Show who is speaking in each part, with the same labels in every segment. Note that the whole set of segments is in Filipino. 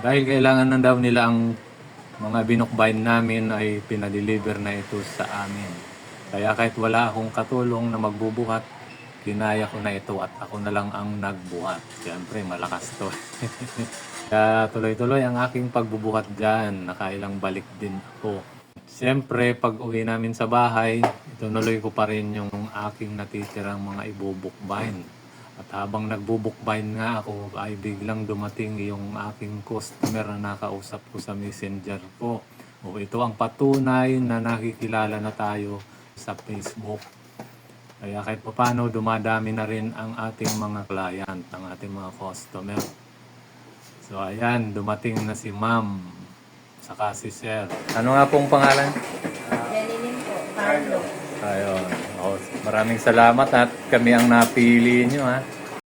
Speaker 1: Dahil kailangan na daw nila ang mga binukbayin namin ay pinadeliver na ito sa amin. Kaya kahit wala akong katulong na magbubuhat, ginaya ko na ito at ako na lang ang nagbuhat. Siyempre, malakas to. Kaya tuloy-tuloy ang aking pagbubuhat dyan. Nakailang balik din ako. Siyempre, pag uwi namin sa bahay, itunuloy ko pa rin yung aking natitirang mga ibubukbayin. At habang nagbubukbayin nga ako, ay biglang dumating yung aking customer na nakausap ko sa messenger ko. O ito ang patunay na nakikilala na tayo sa Facebook. Kaya kahit paano, dumadami na rin ang ating mga client, ang ating mga customer. So ayan, dumating na si ma'am, saka si sir. Ano nga pong pangalan?
Speaker 2: Janine po, Carlo.
Speaker 1: Ayun. O, maraming salamat at kami ang napili nyo ha.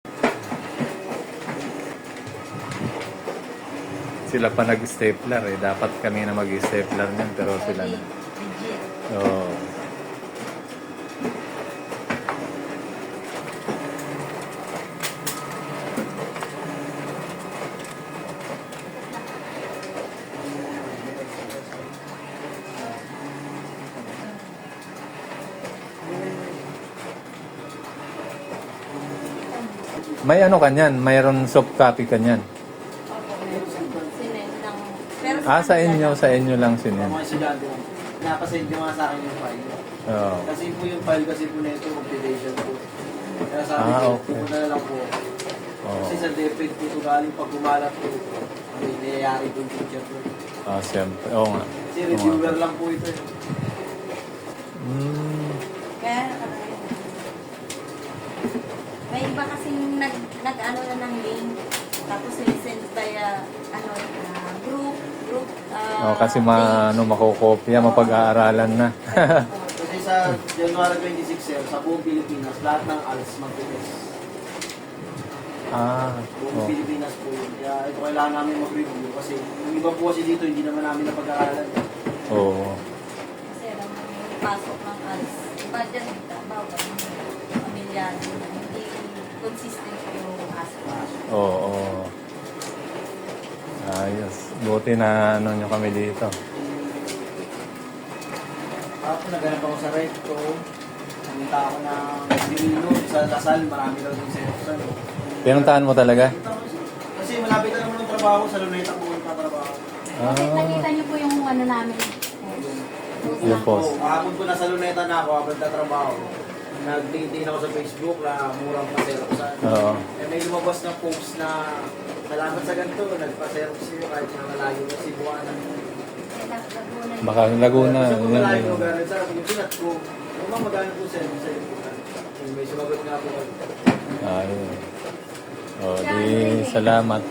Speaker 1: Sila pa nag-stapler eh. Dapat kami na mag-stapler niyan pero sila na.
Speaker 2: Legit.
Speaker 1: Oo. May ano kanyan? Mayroon soft copy kanyan.
Speaker 2: Opo, sinend ng... Pero
Speaker 1: Sa inyo lang sinin.
Speaker 3: Mga estudyante, napasend nyo nga sa akin yung file.
Speaker 1: Oo.
Speaker 3: Kasi po yung file kasi po na ito, compilation po. Kaya sabi ko,
Speaker 1: Okay.
Speaker 3: pupunta na lang po.
Speaker 1: Oo.
Speaker 3: Kasi sa DepEd po ito galing pag gumalat po, may nangyayari po yung teacher po.
Speaker 1: Siyempre. Oo nga.
Speaker 3: Kasi reviewer lang po ito.
Speaker 2: Kaya, may iba kasing nag-ano na ng link. Tapos sinisend via group.
Speaker 1: Kasi makukopya, mapag-aararan na.
Speaker 3: Kasi sa January 26, sir, sa buong Pilipinas, lahat ng ALS mag-test. Buong Pilipinas po yun. Kaya ito kailangan namin mag-review kasi yung iba po kasi dito, hindi naman namin napag-aaralan.
Speaker 1: Oo.
Speaker 2: Kasi alam mo, yung pasok ng ads. Iba dyan, bawal yung pamilyano na hindi consistent yung aspect.
Speaker 1: Oo. Ayos. Buti na ano nyo kami dito.
Speaker 3: Ako naganap ako sa recto. Pumunta ako ng Divino sa Lasal. Marami daw din sa Epson.
Speaker 1: Pinuntahan mo talaga?
Speaker 3: Kasi malapit na naman ng trabaho. Sa Luneta po yung trabaho.
Speaker 2: Nakita niyo po yung ano namin.
Speaker 1: Yung post.
Speaker 3: Kahapon ko nasa Luneta na ako habang tatrabaho. Nag-LinkedIn ako sa Facebook na murang pa-Xeroxan.
Speaker 1: Oo.
Speaker 3: May lumabas na post na salamat sa ganito, nagpa-Xerox siyo kahit na malayo na Cebuana.
Speaker 1: Baka Laguna.
Speaker 3: Kasi kung malayo
Speaker 1: Yan.
Speaker 3: ko gano'n sa akin, yung pinat ko, kung magano po sa may sumagot nga po.
Speaker 1: Ayun. Di salamat.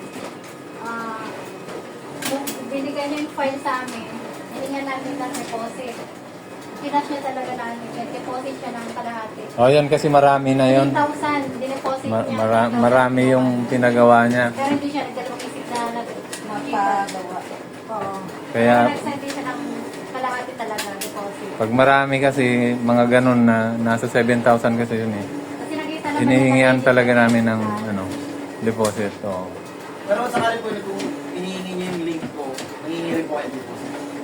Speaker 4: Nung binigay niya yung file sa amin, hiningan namin ng deposit. Kinash niya talaga namin. Deposit siya ng kalahati.
Speaker 1: Yan kasi marami na yon.
Speaker 4: 3,000, dineposit niya.
Speaker 1: Marami yung pinagawa niya.
Speaker 4: Pero hindi siya nagdalawang isip na
Speaker 2: Mapagawa.
Speaker 4: Oo.
Speaker 1: Kaya
Speaker 4: Nag-send din siya ng kalahati talaga, deposit.
Speaker 1: pag marami kasi mga ganun na nasa 7,000 kasi yun eh.
Speaker 4: Kasi nakita naman
Speaker 1: Hinihingian
Speaker 4: namin
Speaker 1: talaga namin ng deposit. Oo.
Speaker 3: Pero sakali po kung hinihingi niyo yung link ko, nangingi rin po kayo dito.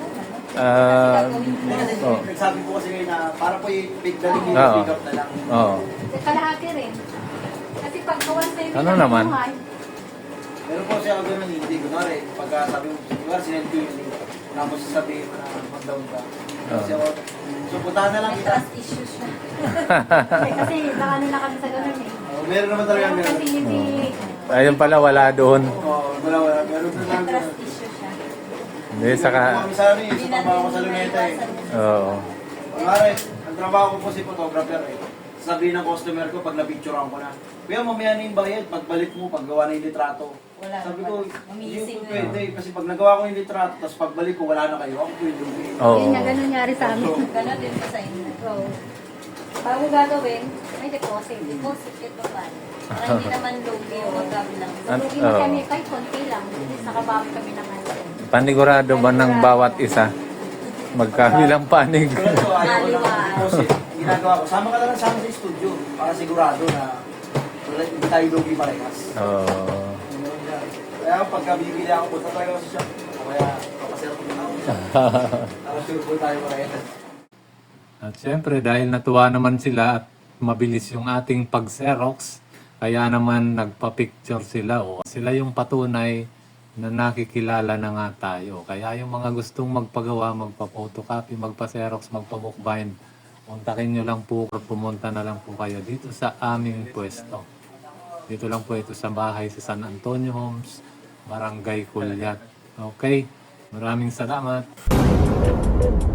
Speaker 3: Nagsabi po kasi kayo na para po yung big daling pick up na lang.
Speaker 1: Oo.
Speaker 4: kalahati rin. Kasi pag kawan sa
Speaker 1: Ano naman?
Speaker 3: Meron po siya gano'n hindi. Kunwari, pagka sabi mo, kunwari sinend ko yung link, tapos sabihin mo na mag-down ka. Kasi ako, so puntahan na lang
Speaker 2: May
Speaker 3: kita.
Speaker 2: trust issues na.
Speaker 4: Kasi nakano na kami sa ganun eh.
Speaker 3: Meron naman talaga
Speaker 4: Pero kasi hindi,
Speaker 1: Ayun pala, wala doon.
Speaker 3: Wala. Meron po
Speaker 2: May
Speaker 3: lang.
Speaker 2: trust issues siya.
Speaker 1: Hindi, saka...
Speaker 3: Kami sa ano eh, sa trabaho ko sa Luneta eh.
Speaker 1: Oo.
Speaker 3: Kunwari, ang trabaho ko po si photographer eh. Sabihin ng customer ko pag na-picturean ko na, kuya mamaya na yung bayad, pagbalik mo, paggawa na yung litrato.
Speaker 2: Wala
Speaker 3: Sabi
Speaker 2: na
Speaker 3: ko,
Speaker 2: pala.
Speaker 3: hindi
Speaker 2: Mamising
Speaker 3: po pwede. Kasi pag nagawa ko yung litrato, tapos pagbalik ko, wala na kayo, ako po yung lugi.
Speaker 1: Oo.
Speaker 4: yun nga ganun nangyari sa amin.
Speaker 2: Ganon din pa sa inyo.
Speaker 4: So, bago gagawin, may deposit.
Speaker 2: Deposit ito pa. Para hindi naman lugi o magkabilang.
Speaker 4: Lugi na kami kahit konti lang. At least nakabawi kami ng ano.
Speaker 1: Panigurado ba ng bawat isa? Magkabilang panig.
Speaker 3: Pero ito, ayaw ko lang deposit. Ginagawa ko, sama ka lang sa amin sa studio para sigurado na wala, hindi tayo lugi parehas.
Speaker 1: Oo.
Speaker 3: Kaya pagka bibili ako, punta tayo sa shop. Kaya kapasero ko na ako. Para sure po tayo mga.
Speaker 1: At syempre, dahil natuwa naman sila at mabilis yung ating pag-xerox, kaya naman nagpa-picture sila. O, sila yung patunay na nakikilala na nga tayo. Kaya yung mga gustong magpagawa, magpa-photocopy, magpa-xerox, magpa-bookbind, kontakin nyo lang po, pumunta na lang po kayo dito sa aming pwesto. Dito lang po ito sa bahay sa San Antonio Homes, Barangay Culyat. Okay? Maraming salamat.